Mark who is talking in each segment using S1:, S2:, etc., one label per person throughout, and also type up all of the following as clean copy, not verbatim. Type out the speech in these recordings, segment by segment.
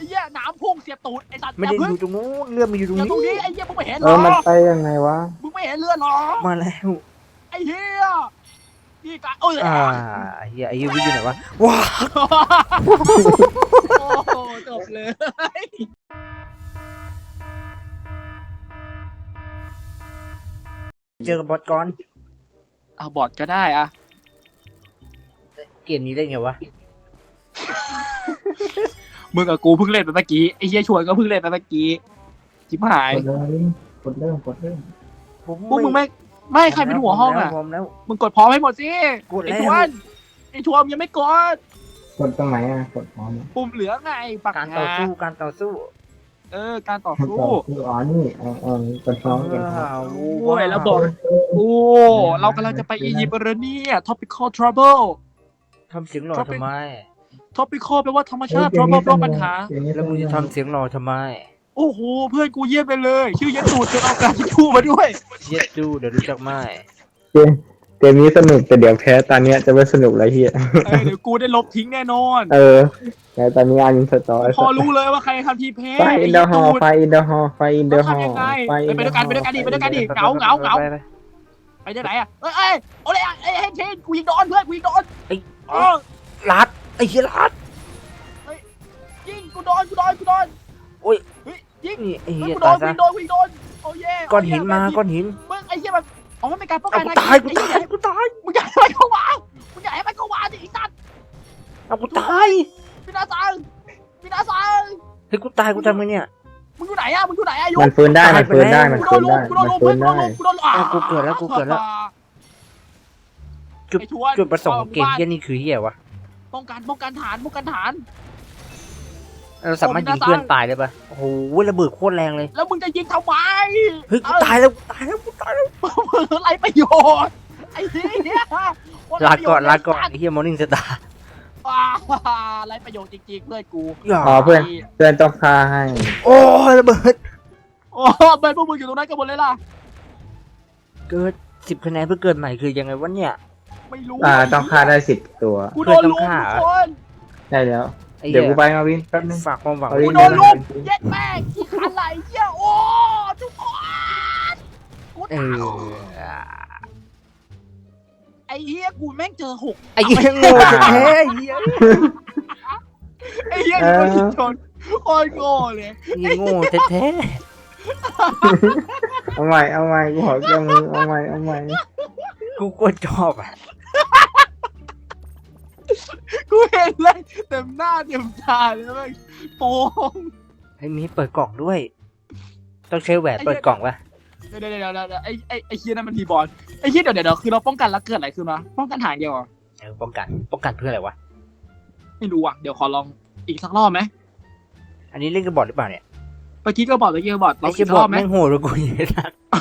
S1: เหี้ยน้ำพุ่งเสียบตูดไอ้สัตว์
S2: ไม่ได้อยู่ตรงนู้นเรือมันอยู่ตรง
S1: อย่า
S2: นี้
S1: ตรงนี้ไอ้เหี้ยมึงไม่เห็นหร
S3: เอ
S1: อ
S3: อมันไปยังไงวะ
S1: มึงไม่เห็นเรือหรอ
S2: มาแล้ว
S1: ไอ้เหี้ยนี่กะเอ้ย
S2: เฮียไอ้ยูวิอยู่ไหนวะว้า
S1: โอ้โหจบเลย
S2: เจอกับบอสก่อน
S1: เอาบอดก็ได้อะ
S2: เกมนี้ได้ไงวะ
S1: มึงกับกูเพิ่งเล่นไปเมื่อกี้ไอ้เหี้ยชวนก็เพิ่งเล่นไปเมื่อกี้ชิบหาย
S3: กดเริ่ม
S1: พวกมึงไม่ใครเป็นหัวห้องอ่ะ
S2: พร้อมแล้ว
S1: มึงกดพร้อมให้หมดสิ
S2: กดแล้ว
S1: ไอ้ชวนยังไม่กด
S3: กดตรงไหนอ่ะกดพร้อม
S1: ปุ่มเหลืองไงปัก
S2: การต่อสู้การต่อสู้
S1: การต่อสู้
S3: คืออ๋อนี่กดพร้อมกดพร้อม
S1: โอ้ยแล้วบอกโอ้เรากำลังจะไปอียิปต์แล้วเนี่ย topical trouble
S2: ทำเสียงหล่อทำไม
S1: topical แปลว่าธรรมชาติ trouble แปลว่าปัญหา
S2: แล้วมึงจะทำเสียงหล่อทำไม
S1: โอ้โหเพื่อนกูเยี่ยมไปเลย ชื่อยันตูดจนเอาการที่พูดมาด้วย
S2: เย็ดดูเดี๋ยวรู้จักไหม
S3: เกมนี้สนุกแต่เดี๋ยวแพ้ตอนเนี้ยจะไม่สนุกแล้วเฮีย
S1: เดี๋ยวกูได้ลบทิ้งแน่นอน
S3: แต่ตอนนี้อินสตอร์
S1: พอรู้เลยว่าใครทำทีเพย์
S3: ไฟอินเดอร์ฮอลไฟอินเดอร์ฮอลไฟอินเดอร์ฮอล
S1: ทำยังไง
S3: ไฟอิน
S1: ไป
S3: เดอ
S1: ด้วย
S3: ร์
S1: กันดิเหงาไปได้ไหนอ่ะเอ้ยโอ้ยไอ้เฮนเชนกูยิงโดนเพื่อนกูยิงโดน
S2: ลัดไอ้เหี้ยลัด
S1: ยิงกูโดนยิง
S2: นี่ไอ้เหี้ย
S1: กูโด
S2: ตาย
S1: น
S2: ซะ
S1: กูโดนโอ้ย
S2: ก้อนหินมาก้อนหิน
S1: มึงไอ้เหี้ยมันอ๋อมันเป็นการป้อง
S2: เอา
S1: กัน
S2: กูตายกูตายกูตาย
S1: มึงอยากให้มันเข้าวางมึงอยากให้มันเข้าวางดิไอ้สัตว์
S2: เอากูตาย
S1: พี่นาซัง
S2: เฮ้ยกูตายกูทำไงเนี่ย
S1: มึงอยู่ไหนอ่ะยุ
S3: มันฟื้นได้มันฟื้นได้มัน
S1: กูโด
S3: ฟื้
S1: น
S3: น
S1: ลุ
S3: ได้
S1: มกูโดนลุม
S2: กูเกิดแล้วจุดประสงค์ของเกมเหี้ยนี่คือเหี้ยวะ
S1: ป้องกันฐาน
S2: เราสามารถยิงเพื่อนตายได้ปะโอ้โหระเบิดโคตรแรงเลย
S1: แล้วมึงจะยิงทำไม
S2: เฮ้ยกูตายแล้ว
S1: มึงไรประโยชน์ไอ้เหี้ย
S2: ลาก่อนไอ้เหี้ยมอร์นิ่งสตาร์
S1: ไรประโยชน์จริงๆเพื่อนกู
S3: อ๋อเพื่อนต้องฆ่าให้
S2: โอ้ยระเบิด
S1: โอ้เพื่อนพวกมึงอยู่ตรงนั้นกันหมดเลยล่ะ
S2: เกิด10 คะแนนเพื่อเกิดใหม่คือยังไงวะเนี่ย
S1: ไม่รู้
S3: ต้องฆ่าได้10 ตัว
S1: กูโดนลุมทุกคน
S3: ได้แล้ว
S2: ไอ้
S3: เดี๋
S2: เหี้
S3: ยวย กูไปมาวินแป๊บนึง
S2: ฝากความหวัง
S3: เอา
S1: กู
S3: ดิ
S1: โดนลุมเย็ดแม่งขี้ขันไหลเหี้ยโอ้ทุกคนกู
S2: เอ
S1: ตาย
S2: อ
S1: ไอ้เหี้ยกูแม่งเจอ6
S2: ไอ้เหี้ยโง่แท้ไอ้เหี้ย
S1: ไอ้เหี้ยนี่ก็ชนโคตรโง่เลย
S2: ไอ้เหี้ยโง่แท้
S3: เอาใหม่กูขอแก้มือเอาใหม่
S2: ๆกูก็ชอบอ่ะ
S1: กูเห็นเลยเต็มหน้าเต็มตาเลยแม่งโป่ง
S2: ไอ้มีเปิดกล่องด้วย ต้องใช้แหวนเปิดกล่องปะ
S1: เดี๋ยวไอ้เฮียนั่นมันทีบอลไอ้เฮียเดี๋ยวคือเราป้องกันแล้วเกิดอะไรขึ้นวะป้องกันฐานเดียวเหรอ
S2: ป้องกันเพื่ออะไรวะ
S1: ไม่รู้อ่ะเดี๋ยวขอลองอีกสักรอบไหม
S2: อันนี้เล่นกับบอทหรือเปล่าเนี่ย
S1: เมื่อกี้ก็บอกลอง
S2: ไอ้
S1: อี
S2: เชี่ย
S1: ก
S2: บ
S1: ร
S2: อ
S1: อ
S2: ท
S1: บไหม
S2: แม่งโหดกว่ากูเยอะนะ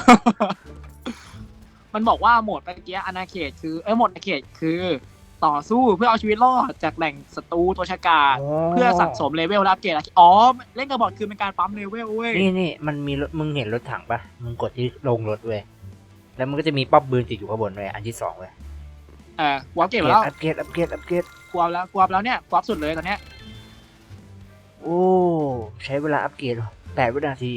S1: มันบอกว่าโหมดเมื่อกี้อาณาเขตคือโหมดอาณาเขตคือต่อสู้เพื่อเอาชีวิตรอดจากแหล่งศัตรูตัวฉกาจเพื่อสั่งสมเลเวลและอัปเกรดอ๋อเล่นกับบอทคือเป็นการปั๊มเลเวลเว้ย
S2: นี่มันมีรถมึงเห็นรถถังปะมึงกดที่ลงรถเว้ยแล้วมันก็จะมีป๊อปปืนติดอยู่ข้างบนเว้ยอันที่2เว้ย
S1: กูอัปเกรดมาแล้ว
S2: อัปเกรด
S1: กูอัพแล้วเนี่ยกูอัพสุดเลยตอนเนี้ย
S2: โอ้ใช้เวลาอัปเกรด8 วินาที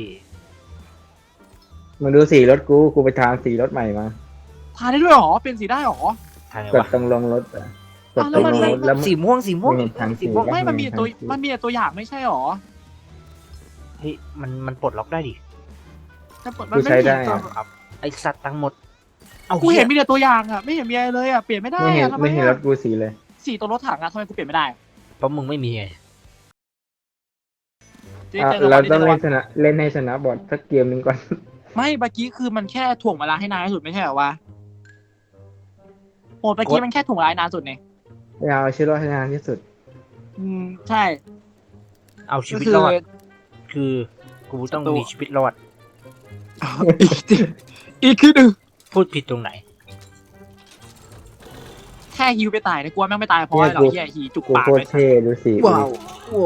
S3: มึงดูสีรถกูไปทางสีรถใหม่มา
S1: ทานได้ด้วยเหรอเป็นสีได้เหรอ
S2: ทางไง
S3: กด
S2: วะ
S3: ตรงลงรถกด
S1: แล้
S3: ตร
S1: ว
S3: ง
S1: มัน
S3: ลงรถแล้ว
S2: สีม่วง
S3: ไม่เห็นทางสี
S2: สีม่วง
S1: ไม่มันมีแต่ตัวอย่างไม่ใช่เหรอ
S2: เฮ้ยมันปลดล็อกได้ดิ
S1: แต่มันไม่มีตัว
S2: ไอสัตว์ทั้งหมดเอา
S1: กูเห็นมีแต่ตัวอย่างอะไม่เห็นมีอะไรเลยอะเปลี่ยนไม่ได้
S3: ไม่เห็น
S1: อะทำไม
S3: ไม่เห็นร
S1: อะ
S3: ถกูสีเลย
S1: สีตัวรถถังอะทำไมกูเปลี่ยนไม่ได้
S2: เพราะมึงไม่มีไง
S3: เราต้องเล่นให้ชนะบอทสักเกมหนึ่งก่อน
S1: ไม่เมื่อกี้คือมันแค่ถ่วงเวลาให้นานที่สุดไม่ใช่เหรอวะโหเมื่อกี้มันแค่ถ่วงเวลานานสุดเนี่ย
S3: เอาชีวิตรอดให้นานที่สุด
S1: ใช่
S2: เอาชี
S1: ก็
S2: วิต
S1: คือ
S2: รอดคือกูต้องมีชีวิตรอด
S1: อีกคือหนึ่ง
S2: พูดผิดตรงไหน
S1: แค่ฮิวไปตายนะกลัวแม่งไม่ตายเพราะอะไรหรอเฮียฮีจุก
S3: กู
S1: ปาก
S3: โคต
S1: ไป
S3: รเท่ดูสิ
S2: ว้าว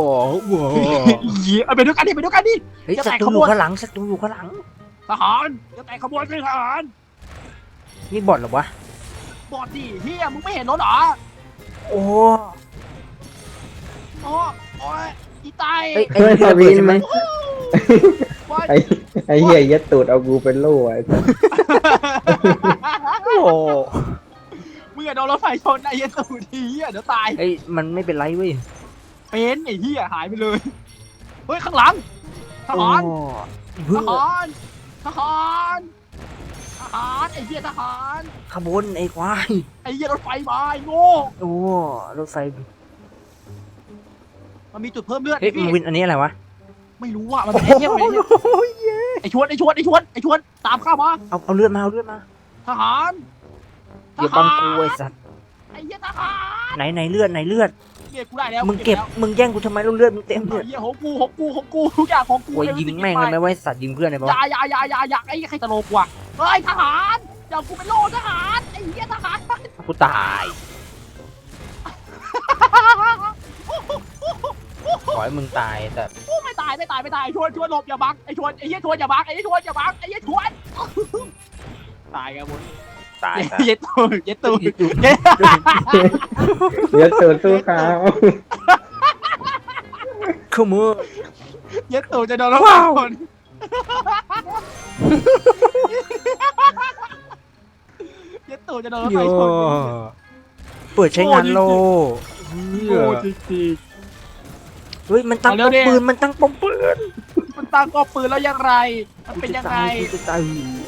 S1: ฮีเอาไปด้วยกันดิ
S2: เฮ้ยศัตรูอยู่ข้างหลัง
S1: ทหารจะแตกขบวนขึ้นทหาร
S2: นี่บอทเหรอวะ
S1: บอดดิเฮียมึงไม่เห็นรถเหรอ
S2: โอ้
S1: โอ้ยอีตาย
S2: เอ้ยไอ้ที่ระเบิดใช่ไหม
S1: ว่า
S3: ไอ้เหี้ยยัดตูดเอากูเป็นโล่ไอ้สัส
S2: โอ้โห
S1: มึงอย่าโดนรถไฟชนไอ้เหี้ยตูดทีเหี้ยเดี๋ยวตาย
S2: เอ้ยมันไม่เป็นไรเว้ย
S1: เป็นไอ้เหี้ยหายไปเลยเฮ้ยข้างหลังทหาร
S2: เพื่
S1: ท
S2: อ
S1: หารทหารทหารไอ้เหี้ยทหาร
S2: ขบวนไอ้ควาย
S1: ไอ้เหี้ยรถไฟมาไอ้โง่
S2: โอ้รถไฟ
S1: มันมีจุดเพิ่มเลือด
S2: เฮ้ย
S1: พี่
S2: มันวินอันนี้อะไรวะ
S1: ไม่รู้อ่ะมันเป็นไอ้เหี้ยมันเป็นไอ้เหี้ยไอ้ชวนตามข้ามา
S2: เอาเลือดมาเอาเลือดมา
S1: ทหาร
S2: อย่าบังกูไอ้สัตว์
S1: ไอ้เหี้ยทหาร
S2: ไหนเลือดไหนเลือด
S1: เก็บกูได้แล้ว
S2: มึงเก็บมึงแย่งกูทำไมเลือดมึงเต็มเล
S1: ไอ้
S2: ย
S1: เหี้ยของกูทุกอย่างของกู
S2: โอ้ยยิงแม่งเลยไหมว่าสัตว์ยิงเพื่อนเลยปะ
S1: อย่าไอ้ใครตลกว่ะเฮ้ยทหารอย่ากูเป็นโลทหารไอ้เหี้ยทหาร
S2: กูตายขอให้มึงตายแต่
S1: ไม่ตายชวนหลบอย่าบังไอ้ชวนไอ้เหี้ยชวนอย่าบังไอ้เหี้ยชวนอย่าบังไอ้เหี้ยชวนตายกันหมด
S2: ตาย
S1: เย็ดตูด
S3: ยัดตูดสู้เขา
S2: ขโมย
S1: เย็ดตูดจะโดนแล้วคนเย็ดตูดจะโดนแล้ว
S2: โย
S1: ไปชน
S2: เปิดใช้งานโล
S1: โอ้จริง
S2: เฮ้ยมันตั้งป้อมปืนมันตั้งป้อมปืน
S1: ๆมันตั้งกอบปืนแล้วยังไรมันเป็นยังไง
S2: กูจะตาย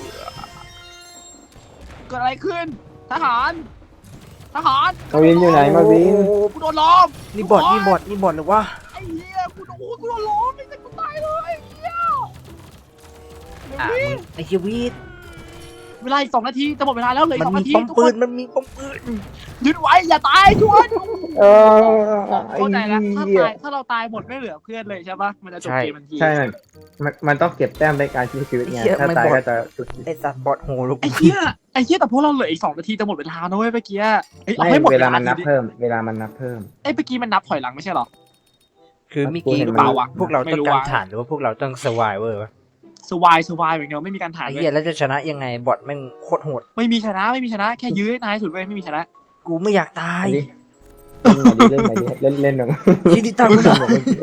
S1: เกิดอะไรขึ้น ทหาร
S3: มาวินอยู่ไหนมาวิน
S1: กูโดนล้อม
S2: นี่บอดหรือว่า
S1: ไอ้เหี้ยกูโดนล้อมไอ้เหี้ยกูตายเลยไอ้เหี้ย
S2: อ่ะไอ้เฮียวีด
S1: เวลาอีก2 นาทีจะหมดเวลาแล้วเลย
S2: มัน
S1: 2
S2: มี
S1: นาที
S2: ป้อม
S1: ทุก
S2: ปื
S1: คน น
S2: มันมีป้อมปืน
S1: ยึดไว้อย่าตายชวน
S3: ไอ้
S1: เข้าใจแล้ว
S3: เหี้ย
S1: ถ้าเราตายหมดไม่เหลือเพื่อนเลยใช่ปะมันจะจบเกมทันที
S3: ใช่มันต้องเก็บแต้มในการชีวิตไงถ้าตายก็จะจุด
S2: ไอ้สัตว์บอดโหลูก
S1: ไอ้เหี้ยแต่พวกเราเหลืออีก2 นาทีจะหมดเวลานะเว้ยเมื่อกี้เอา
S3: ไม่
S1: ให้หมด
S3: เว
S1: เว
S3: ลา
S1: ลา
S3: มันนับ
S1: ที
S3: เพิ่มเวลามันนับเพิ่ม
S1: เมื่อกี้มันนับถอยหลังไม่ใช่หรอ
S2: คือเมื่อกี้
S3: กูเห็น
S1: เปล่าวะ
S2: พวกเรา
S1: ไม่
S2: ต้อง
S1: รู้
S2: การ
S1: วะ
S2: ฐานหรือว่าพวกเราต้องสวายวะ
S1: สวายอย่างเดียวไม่มีการถ่าย
S2: ไอ้
S1: เล
S2: เหี้ย
S1: ย
S2: แล้วจะชนะยังไงบอดแม่งโคตรโหด
S1: ไม่มีชนะแค่ยื้อให้นายสุดเว้ยไม่มีชนะ
S2: กูไม่อยากตาย
S3: เล่นไหนดิเล่นหนึ่ง
S2: ชีวิตตั้งได้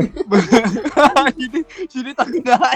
S1: ชีวิตตั้งได้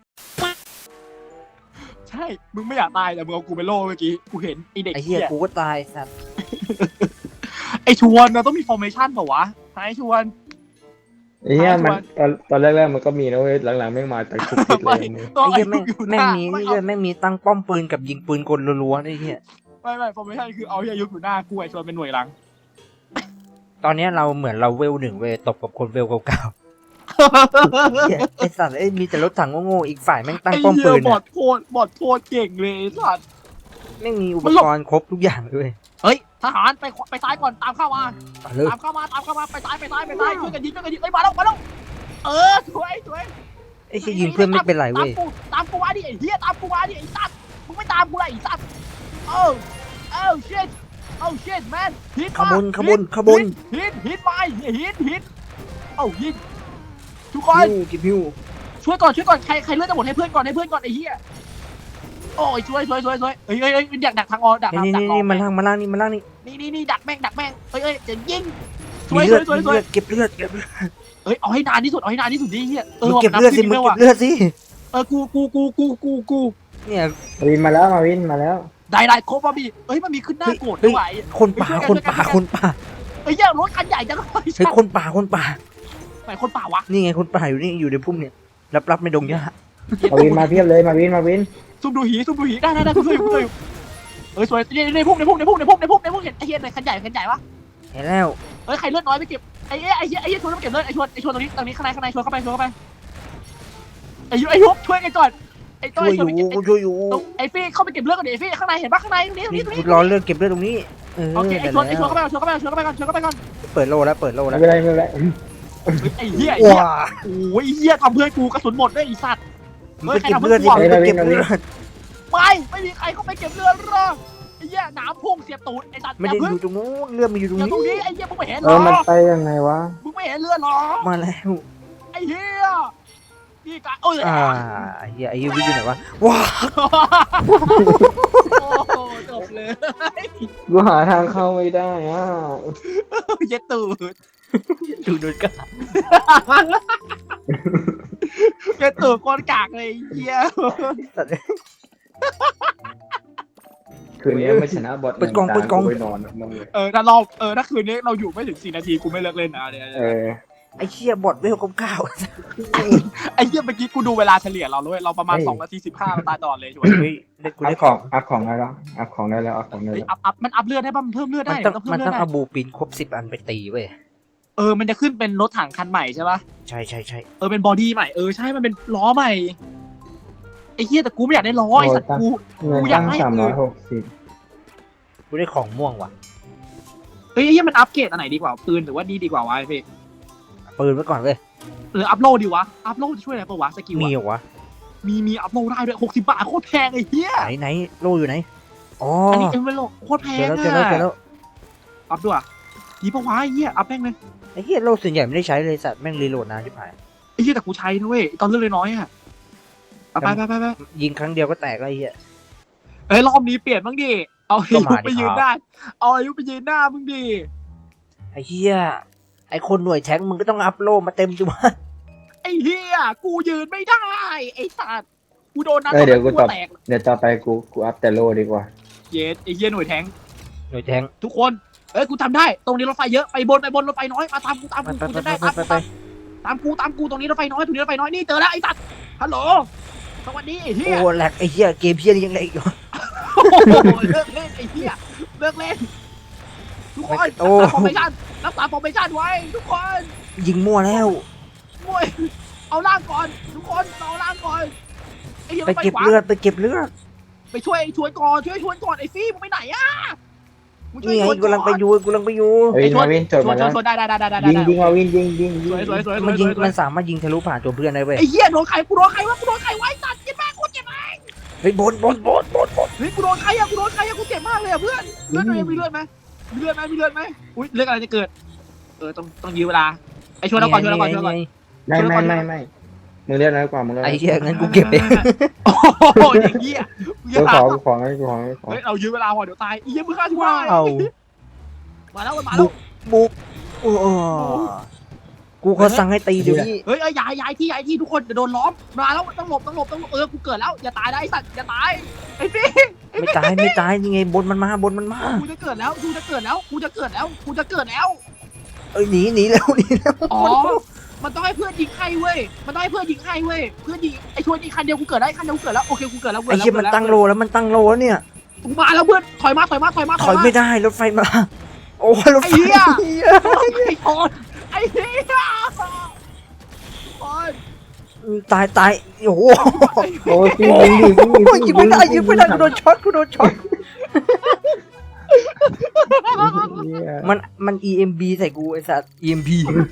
S1: ใช่มึงไม่อยากตายแต่มึงเอากูไปโล่เมื่อกี้กูเห็นไอเด็ก
S2: ไอ้เหี้ย
S1: เหี้ย
S2: กูก็ตายสัตว์
S1: ไอชวนเราต้องมี formation เปล่าวะไอชวน
S3: ไอ้เหี้ยมันตอนแรกๆมันก็มีนะเว้ยหลังๆแม่งมาแต่คุกคิดเลย
S1: ตัว
S2: ไอ้เหี้ย
S1: ไอ้
S2: แม่ง
S1: อยู่ห
S2: แม่ง
S1: น้า
S2: มี
S1: ไม่
S2: นี่
S1: เอา
S2: เลยแม่งมีตั้งป้อมปืนกับยิงปืนกลรัวๆไอ้เหี้ย
S1: ไม่ formation คือเอาเฮียยุทธอยู่หน้ากูไอชวนเป็นหน่วยหลัง
S2: ตอนเนี้ยเราเหมือนเราเวล 1เว้ยตบกับคนเวลเก่าๆเหี้ยไอ้สัตว์ไอ้ยมีแต่รถถังโง่ๆอีกฝ่ายแม่งตั้ง
S1: ไอ้
S2: ป้อม
S1: เหี้
S2: ปื
S1: ย
S2: น
S1: บอ
S2: อะ
S1: ดโคตรเก่งเลยไอ้สัตว์
S2: แม่งมีอุปกรณ์ครบทุกอย่างเลย
S1: เฮ้ยทหารไปซ้ายก่อนตามเข้ามา
S2: เอาเลย
S1: ตามเข้ามาไปซ้ายช่วยกันยิงเฮ้ยมาแล้วสวย
S2: ไอ้เหี้ยยิงเพื่อนไม่เป็นไรเว้ย
S1: ตามกูมาดิไอ้เหี้ยตามกูมาดิไอ้สัตว์มึงไม่ตามกูเลยไอ้สัตว์เออ shit man ฮิต
S2: ขบวน
S1: ฮิตไปฮิตเอายิงทุกคน
S2: กิบฮิว
S1: ช่วยก่อนใครเลือดจะหมดให้เพื่อนก่อนไอ้เหี้ยโอ้ยช่วยเฮ้ยดักทางออกดัก
S2: นี่มาล่างนี่
S1: นี่ดักแม่งเฮ้ยจะยิงช่ว
S2: มี
S1: ย
S2: เลือดเก็บเลือด
S1: เฮ้ยเอาให้นานที่สุดดิเหี้ย
S2: มึงเก็บเลือดสิมึงเก็บเลือดสิ
S1: กู
S2: เนี่ย
S3: มาวินมาแล้ว
S1: ได้โคบาบีเอ้ยมันมีขึ้นหน้าโกรธด้วย
S2: คนป่า
S1: เอ้ยรถคันใหญ่จังเลย
S2: เฮ้ยคนป่า
S1: ไหนคนป่าวะ
S2: นี่ไงคนป่าอยู่นี่อยู่ในพุ่มเนี่ยรับไม่ดงหญ้า
S3: มาวินมาเพียบเลยมาวิน
S1: ซุ่มดูหีได้กูช่วยอยู่เอ้ยสวยในพุ่มเห็นไอ้เหี้ยไหนคันใหญ่วะ
S2: เห็นแล้ว
S1: เอ้ยใครเลือดน้อยไปเก็บไอ้เหี้ยชวนไปเก็บเลือดไอ้ชวนตรงนี้ข้างในชวนเข้าไปไอ้ยุบช่วยกันก่อนไอ้ต้
S2: ช่
S1: อ
S2: วย ยอยู่
S1: ไอ้ฟี่เข้าไปเก็บเลือดกันดิไอ้ฟี่ข้างในเห็นปะข้างในตรงนี้
S2: นี่กูรอเลือดเก็บเลือดตรงนี้
S1: โอเคไอ้ชวนเข้าไปก่อน
S2: เปิดโลแล้ว
S3: ไม่เป็นไร
S1: ไอ้เหี้ย
S2: ว้า
S1: โอ้ยเหี้ยทำเพื่อนกูกระสุนหมดด้วยไอ้สัตว์
S2: ไปเก็บเลือดดิไปเก็บเลือด
S1: ไม่มีใครเข้าไปเก็บเลือดหรอกไอ้เหี้ยน้ำพุ่งเสียบตูดไอ้สัตว์
S2: ไม่ได้อยู่ตรงนู้นเลือดมันอยู่ตรง
S1: อย่า
S2: นี้
S1: ตรงนี้ไอ้เหี้ยมึงไม่เห็นหร
S3: มัน
S1: อ
S3: ไปยังไงวะ
S1: มึงไม่เห็นเลือดหรอ
S2: มาแล้ว
S1: ไอ้เหี้ยนี่กะเอ้ย
S2: เฮียไอ้ยูวิอยู่ไหนวะว้า
S1: โอ้จบเลย
S3: กูหาทางเข้าไม่ได้อ่ะ
S1: เย็ดตูด
S2: ดูดูกัน
S1: เป็นตัวก้อนกากเลยเฮีย
S3: คืนนี้ไม่ชนะบอทไปนอนมึงเลย
S1: ถ้าคืนนี้เราอยู่ไม่ถึง4 นาทีกูไม่เลิกเล่นนะเนี่ย
S2: ไอ้เชี่ยบอดเวลเก้า
S1: ไอ้เหี้ยเมื่อกี้กูดูเวลาเฉลี่ยเราเลยเราประมาณ2 นาที 15เราตายตลอดเลยช่วย
S2: เฮ้ยได้กู
S3: อั
S2: ได้
S3: พ
S2: ข
S3: ข
S2: อ
S3: อง งอัพของได้แล้วอัพของได้แล้วอัพของได้
S1: เฮ้ย
S3: แล้ว
S1: มันอัพเลือดได้ป่ะมันเพิ่มเลือดได้
S2: มันต้อง
S1: เพิ่ม
S2: มัน
S1: เลือ
S2: ต้อง
S1: ดได้
S2: เอาบูปินครบ10 อันไปตีเว้ย
S1: มันจะขึ้นเป็นรถถังคันใหม่ใช่ป่ะ
S2: ใช่ใช่ใช่
S1: เป็นบอดี้ใหม่ใช่มันเป็นล้อใหม่ไอ้เหี้ยแต่กูไม่อยากได้ล้อไอ้สัตว์กู
S3: เงิน
S1: อยา
S3: ตั้
S1: ก
S3: ง
S1: ให้
S3: 360
S2: กูได้ของม่วงว่ะ
S1: เฮ้ยไอ้เหี้ยมันอัพเกรดอันไหนดีกว่าปืนหรือว่าดีกว่าวะไอ้พี่
S2: ปืนไว้ก่อนเว้ย
S1: หรืออัพโหลดดีวะอัพโหลดจะช่วยอะไรปะวะสกิล
S2: มี
S1: อะ
S2: เหรอวะ
S1: มีอัพโหลดได้ด้วย60 บาทโคตรแพงไอ้เหี้ย
S2: ไหนโลอยู่ไหนอ๋อ
S1: อันนี้เป็นโลโคตรแพ
S2: เจ
S1: ง
S2: อแล้วเจอแล้วเจอแล้ว
S1: อัพด้วยดีปะวะไอ้เหี้ยอัพแม่งเลย
S2: ไอ้เหี้ยโลส่วนใหญ่ไม่ได้ใช้เลยสัตว์แม่งรีโหลดนานชิบหาย
S1: ไอ้เหี้ยแต่กูใช้นะเว้ยตอนเลือดเลยน้อยอะไป
S2: ยิงครั้งเดียวก็แตกแล้วไอ้เหี้ย
S1: รอบนี้เปลี่ยนบ้างดิเอาอา
S2: ก็
S1: ยุ
S2: มาดิ
S1: ไปยืน
S2: ครับ
S1: ได้เอาอายุไปยืนหน้ามึงดิ
S2: ไอ้เหี้ยไอ้คนหน่วยแทงค์มึงก็ต้องอัพโลมาเต็มจุวะ
S1: ไอ้เหี้ยกูยืนไม่ได้ไอ้สัตว์กูโดนนัด
S3: เดี๋ยวกูตอบ
S1: แตก
S3: เดี๋ยวต่อไปกูอัพแต่โลดีกว่า
S1: เย็ดไอ้เหี้ยหน่วยแทง
S2: หน่วยแทงค์
S1: ทุกคนกูทำได้ตรงนี้รถไฟเยอะไปบนรถไฟน้อยมาตามกู
S2: ไป
S1: กูจะได้
S2: ไปไป
S1: ตามกูตรงนี้รถไฟน้อยตรงนี้รถไฟน้อยนี่เจอแล้วไอ้สัตว์ฮัลโหลสวัสดีไอ้เหี้ย
S2: โอ้แหลกไอ้เหี้ยเกมเหี้ยนี่ยังไงอีกวะ
S1: โอ้โหเลิกเล่นไอ้เหี้ยเลิกเล่นทุกคน
S2: โอ้
S1: รักษาฟอร์เมชั่นไว้ทุกคน
S2: ยิงมั่วแล้ว
S1: มวยเอาล่างก่อนทุกคนเอาล่างก่อนไอ้เหี้ย
S2: ไป
S1: รถฟ
S2: เก็บ
S1: ขวา
S2: เลือดไปเก็บเลือด
S1: ไปช่วยชวนก่อนไอ้ฟี่มึงไปไหนอะมึงช่วย
S2: นี่ไง
S1: ชวน
S2: กำลังไปอยู่กำลังไปอยู่
S3: เฮ้ยมาวินจดมาแล้ว
S1: ชวนได้
S3: ยิงมาวินยิง
S1: สวย
S2: มันยิงมันสามารถยิงทะลุผ่านตัวเพื่อนได้เว้ย
S1: ไอ้เหี้ยโดนใครกูโดนใครวะกูโดนใครไว้ตัดเจ็บมากกูเจ็บมาก
S2: เฮ้ยบน
S1: เฮ้ยกูโดนใครอะกูเจ็บมากเลยอะเพื่อนเลือดมีเลือดไหมอุ้ยเลือดอะไรจะเกิดต้องยื้อเวลาไอ้ชวนเราก่อน
S3: ไม่มึงเรียกน้อยกว่ามึง
S2: ไอ้เหี้ยงั้นกูเก็บเอง
S1: โอ้โหอย่างเงี้ย
S3: กูของให้กูของ
S1: เฮ้ยเรายื้อเวลาพอเดี๋ยวตายไอ้เหี้ยมึงฆ่าช่วย
S2: ว้าว
S1: มาแล้ว
S2: บุกโอ้กูเขาสั่งให้ตีเดี๋ยวนี้
S1: เฮ้ยย้ายที่ทุกคนจะโดนล้อมมาแล้วต้องหลบกูเกิดแล้วอย่าตายนะไอ้สัตว์อย่าตายไอ้พี่
S2: ไม่ตายยังไงบนมันมา
S1: กูจะเกิดแล้ว
S2: เอ้ยหนีแล้ว
S1: อ๋อมันต้องให้เพื่อนยิงให้เว้ยเพื่อนยิงไอ้ชวนยิงคันเดียวกูเกิดได้คันเดียวกูเกิดแล้วโอเคกูเกิดแล้ว
S2: ไอ้เหี้ยมันตั้งโลแล้วเนี่ย
S1: กูมาแล้วเพื่อนถอยมา
S2: ถอยไม่ได้รถไฟมาโอ้รถไฟ
S1: ไอ้คนไอ้เหี้ย
S2: ตายโอ้โห
S3: โอ้ยยิง
S2: ไม่ได้กูโดนช็อตมัน EMB ใส่กูไอ้สัตว์ EMP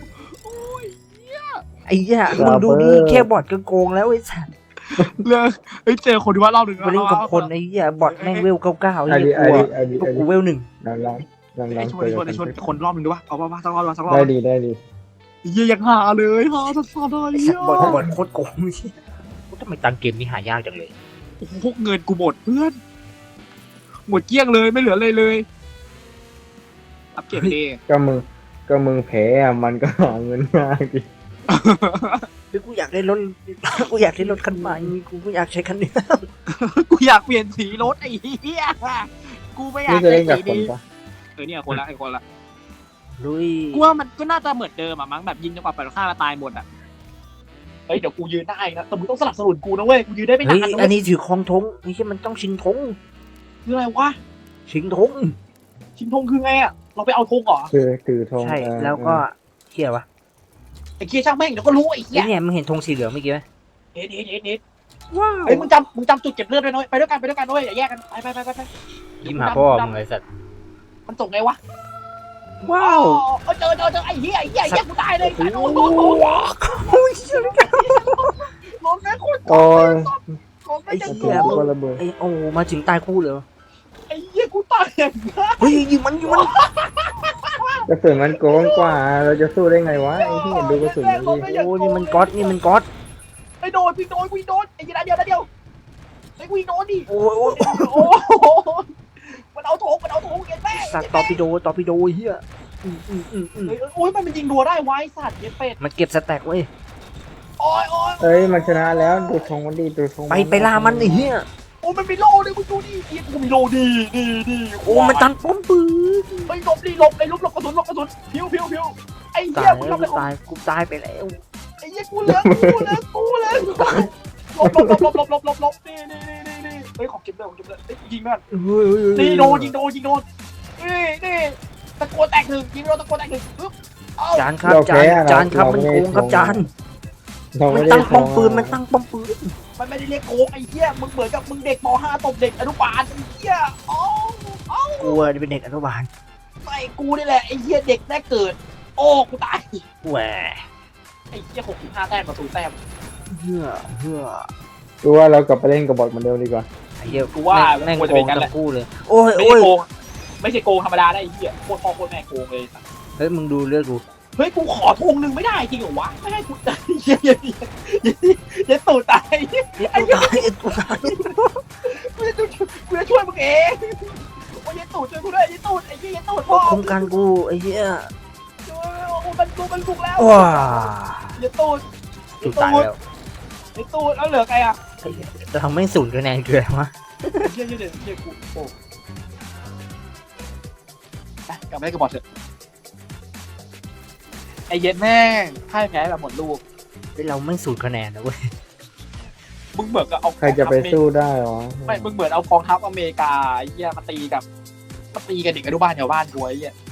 S2: ไอ้เหี้ยมึงดูดิแค่บอทก็โกงแล้วไอ้สัตว์
S1: เลยเจอคนที่ว่ารอบหนึ่ง
S2: ไปเล่นกับคนไอ้เหี้ยบอทแม่งเวล99ไอ้เหี้ยกูเวล1
S1: ไอ้ชนคนรอบหนึ่งดูวะเอาป่ะสักรอบ
S3: ได้ดี
S1: เยี่ยยังหาเลยสัสๆเลย
S2: บอทโคตรโกงทำไมตังเกมนี้หายากจังเลย
S1: พวกเงินกูหมดเพื่อนหมดเกลี้ยงเลยไม่เหลือเลยอัพเกรดเอ
S3: ก็มึงแพ้มันก็หาเงินง่ายดิ
S2: กูอยากได้รถคันใหม่กูอยากใช้คันนี้
S1: กูอยากเปลี่ยนสีรถไอ้เหี้ยกูไม่อยาก
S3: นี่จะเล่นกับ
S1: สี
S3: คน
S1: นี้
S3: ปะ
S1: เนี่ยคนละ
S2: ลุย
S1: กูว่ามันก็น่าจะเหมือนเดิมอะมั้งแบบยิงจนกว่าฝ่ายตรงข้ามจะตายหมดอะเฮ้ยเดี๋ยวกูยืนได้นะแต่มึงต้องสนับสนุนกูนะเว้ยกูยืนได้ไม่
S2: เฮ้
S1: นาย นนะ
S2: อั
S1: เว้
S2: น
S1: ย
S2: นี้ถือครองธงนี่ใช่มันต้องชิงธง
S1: คืออะไรวะ
S2: ชิงธง
S1: ชิงธงคือไงอะเราไปเอาธงเหรอ
S3: คือถือธง
S2: ใช่แล้วก็เหี้ยวะ
S1: ไอ้เคียช่างแม่งเดี๋ยวก็รู้ไอ้เหี้ย
S2: เนี่ยมึงเห็นธงสีเหลืองเมื่อกี้ไหม
S1: เอ็ด
S2: ว้าว
S1: เฮ้ยมึงจำจุดเก็บเลือดด้วยน้อยไปด้วยกันด้วยอย่าแยกกันไป
S2: ยิ้มหาพ่อมึงไอ้สัตว์
S1: มันส่งไงวะ
S2: ว้าว
S1: เจอไอ้เหี้ยกูตายเลยโอ้โห
S2: โอ้ย
S1: ลงแม่โคตร
S3: โอ้ย
S1: ลงแม่จะ
S3: เสียก็ระเบิด
S2: ไอ้โอ้มาถึงตายคู่เลย
S1: ไอ้เหี้ยกูตายอย่างนั้น
S2: เฮ้ยยิงมัน
S3: กระสุนมันโกงกว่าเราจะสู้ได้ไงวะไอ้ที่เห็นดูกระสุนมันดิ
S2: โอ้นี่มันก๊อต
S1: ไอ้โดนกูโดนไอ้ยีนาเดียวไอ้กูโดนดิ
S2: โอ้ย
S1: โอ้มันเอาโถงเห็นไหม
S2: สัตว์ตอร์ปิโดเฮีย
S1: โอ้ยมันยิงรัวได้ไว้สัตว์เย็ดเป็ด
S2: มันเก็บสแต็กเว้ย
S1: โอ้ยโอ้ย
S3: เอ้ยมันชนะแล้วดูธงมันดีดูธง
S2: ไปล่ามันไอ้เหี้ย
S1: โอ้มันมีโลเลยมึงดูดิเฮียกูมีโลดีดี
S2: โอ้มันตันป้อมปืน
S1: ไม่หลบดิหลบไอ้หลบกระสุนพิวไอ้เหี้
S2: ตาย ย
S1: กู
S2: แล้ว
S1: ทำอะไร
S2: กูตายไปแล้ว
S1: ไอ้เหี้ยกูเหลือหลบนี่เฮ้ยของเก็บเลยยิงแม่นนี่โดนยิงโดนนี่ตะโกนแตกหนึ่งยิงโดนตะโกนแตกหนึ่งปึ๊บเอ้า
S2: จานครับจานครับมันโกงครับจาน
S3: เรา
S2: มั
S3: ไม่
S2: น
S3: ได้
S2: ตั้งป้อมปืนมันตั้งป้อมปืน
S1: มันไม่ได้เรียกโกงไอ้เหี้ยมึงเหมือนกับมึงเด็กป .5 ตบเด็กอนุบาลไอ้เหี้ยอ๋อก
S2: ลัวเป็นเด็กอนุบาล
S1: ไม่กูนี่แหละไอ้เหี้ยเด็กแรกเกิดโอ้กูตาย
S2: แหว
S1: ไอ้เหี้ย65แต้มกับ0แต้ม
S2: เพื่อ
S3: ดูว่าเรากลับไปเล่นกับบอทเหมือนเดิมดีกว่า
S2: ไอ้เหี้ย
S1: กูว่า
S2: แม่ง
S1: ควร
S2: โก
S1: จะเป็
S2: ง
S1: นกันแห
S2: ทั้
S1: ละ
S2: งคู่เลยโอ้ย
S1: ไม่
S2: โอ้
S1: ใช่
S2: ย
S1: โกงไม่ใช่โกงธรรมดาได้ไอ้เหี้ยโคตรพ่อโคตรแม่โกงเลย
S2: เฮ้ยมึงดูเลือดกู
S1: เฮ้ยกูขอธงหนึ่งไม่ได้จริงเหรอวะไม่ให้กูตายเหี้ยตูดตาย
S2: ไอ้กูตายไอ้กูตาย
S1: กูจะช่วยมึงเองโอ้ยตูดช่วยกูด้วยไอ้ตูดไอ้เหี้ยตูดพ่อ
S2: โครงการกูไอ้เหี้ย
S1: มันบุกแล้ว
S2: ว้า
S1: ไอ้ตูด
S2: กูตายแล้ว
S1: ไอ้ตูดแล้วเหลือใครอ่ะ
S2: ไอ้เหี้ยเราไม่สูญคะแนนเกินวะ
S1: เหี้ยกูโอ้กลับไปเล่นกับบอลเถอะไอ้เย็ดแม่งพ่ายแพ้แบบหมดลูก
S2: เราไม่สูญคะแนนนะเว้ย
S1: มึงเหมือนกับเอา
S3: ใครจะไปสู้ได้หรอ
S1: ไม่มึงเหมือนเอากองทัพอเมริกาไอ้เหี้ยมาตีกับเด็กอนุบาลแถวบ้านกูไอ้เหี้ย